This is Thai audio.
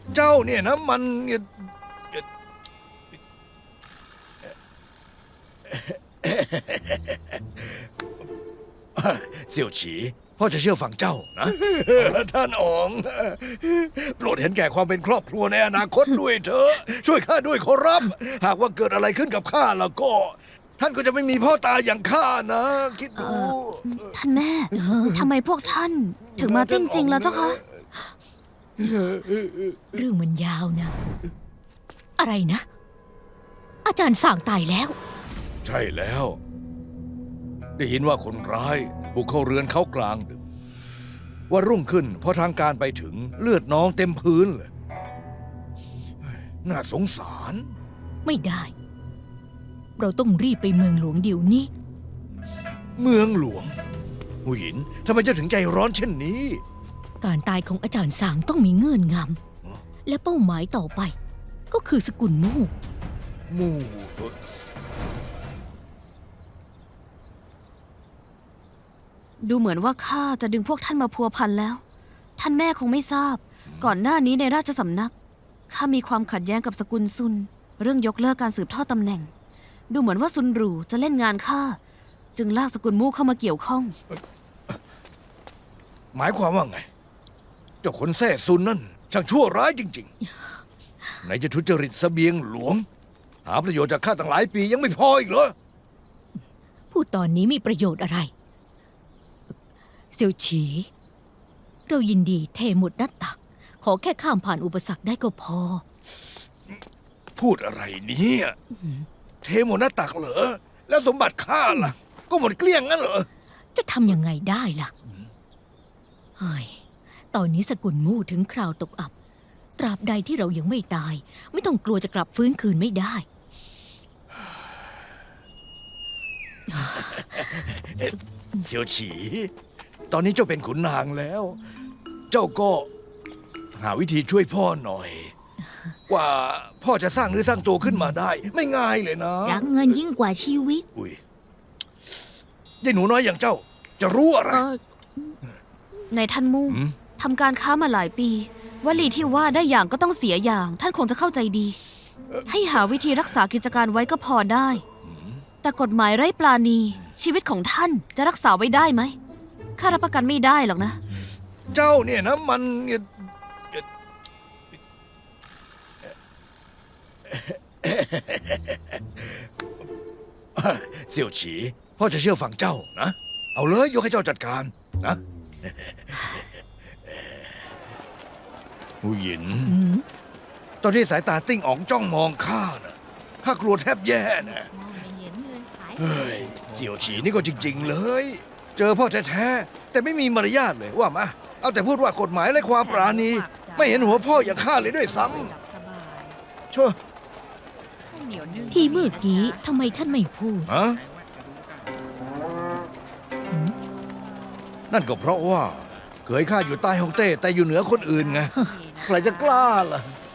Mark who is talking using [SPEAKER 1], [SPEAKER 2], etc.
[SPEAKER 1] เจ้าเนี่ยนะมันเสี่ยวฉีพ่อจะเชื่อฟังเจ้านะ ท่านอ๋องโปรดเห็นแก่ความเป็นครอบครัวในอนาคตด้วยเถอะช่วยข้าด้วยขอรับ หากว่าเกิดอะไรขึ้นกับข้าแล้วก็ ท่านก็จะไม่มีพ่อตาอย่างข้านะ คิดดู
[SPEAKER 2] ท่านแม่ทำไมพวกท่านถึงมาติ้งจริงแล้วเจ้าคะ
[SPEAKER 3] เรื่องมันยาวนะ อะไรนะ อาจารย์สั่งตายแล้ว
[SPEAKER 1] ใช่แล้ว ได้ยินว่าคนร้ายบุกเข้าเรือนเขากลางดึกว่ารุ่งขึ้นพอทางการไปถึงเลือดน้องเต็มพื้นเลยน่าสงสาร
[SPEAKER 3] ไม่ได้ เราต้องรีบไปเมืองหลวงเดี๋ยวนี้
[SPEAKER 1] เมืองหลวงหูหยินทำไมเจ้าถึงใจร้อนเช่นนี้
[SPEAKER 3] การตายของอาจารย์สางต้องมีเงื่อนงำและเป้าหมายต่อไป ก็คือสกุลมู่
[SPEAKER 1] มู่
[SPEAKER 2] ดูเหมือนว่าข้าจะดึงพวกท่านมาพัวพันแล้ว ท่านแม่คงไม่ทราบ ก่อนหน้านี้ในราชสำนักข้ามีความขัดแย้งกับสกุลซุน เรื่องยกเลิกการสืบทอดตำแหน่ง ดูเหมือนว่าซุนหรูจะเล่นงานข้าจึงลากสกุลมู่เข้ามาเกี่ยวข้อง
[SPEAKER 1] หมายความว่าไง เจ้าคนแท้ซุนนั่นช่างชั่วร้ายจริงๆไหนจะทุจริตเสบียงหลวง หาประโยชน์จากข้าตั้งหลายปียังไม่พออีกเหรอ
[SPEAKER 3] พูดตอนนี้มีประโยชน์อะไร เซียวฉี เรายินดีเทหมดหน้าตัก ขอแค่ข้ามผ่านอุปสรรคได้ก็พอ
[SPEAKER 1] พูดอะไรเนี่ยเทหมดหน้าตักเหรอ แล้วสมบัติข้าล่ะ ก็หมดเกลี้ยงงั้นเหรอ
[SPEAKER 3] จะทำยังไงได้ล่ะ เฮ้ย ตอนนี้สกุลมู่ถึงคราวตกอับ ตราบใดที่เรายังไม่ตาย ไม่ต้องกลัวจะกลับฟื้นคืนไม่ได้
[SPEAKER 1] เซียวฉี ตอนนี้เจ้าเป็นขุนนางแล้ว เจ้าก็หาวิธีช่วยพ่อหน่อย ว่าพ่อจะสร้างเนื้อสร้างตัวขึ้นมาได้ ไม่ง่ายเลยนะ
[SPEAKER 4] รักเงินยิ่งกว่าชีวิต
[SPEAKER 1] อุ้ยยายหนูน้อยอย่างเจ้า จะรู้อะไร
[SPEAKER 2] ในท่านมู่
[SPEAKER 1] หืม
[SPEAKER 2] ทำการค้ามาหลายปีวลีที่ว่าได้อย่างก็ต้องเสียอย่าง ท่านคงจะเข้าใจดี ให้หาวิธีรักษากิจการไว้ก็พอได้ แต่กฎหมายไร้ปราณี ชีวิตของท่านจะรักษาไว้ได้ไหมข้ารับประกันไม่ได้หรอกนะ
[SPEAKER 1] เจ้าเนี่ยนะมัน เสี่ยวฉี พ่อจะเชื่อฟังเจ้านะ เอาเลยยกให้เจ้าจัดการนะหูหยิน ตอนที่สายตาติ้งอ๋องจ้องมองข้าน่ะข้ากลัวแทบแย่นะเฮ้ยเสี่ยวฉีนี่ก็จริง ๆ เลย เจอพ่อแท้ๆแต่ไม่มีมารยาทเลยว่ามาเอาแต่พูดว่ากฎหมายและความปราณี ไม่เห็นหัวพ่ออย่างข้าเลยด้วยซ้ำชั่ว
[SPEAKER 3] ที่เมื่อกี้ทำไมท่านไม่พูด
[SPEAKER 1] ฮะนั่นก็เพราะว่าเคยข้าอยู่ใต้ฮ่องเต้แต่อยู่เหนือคนอื่นไงใครจะกล้าล่ะ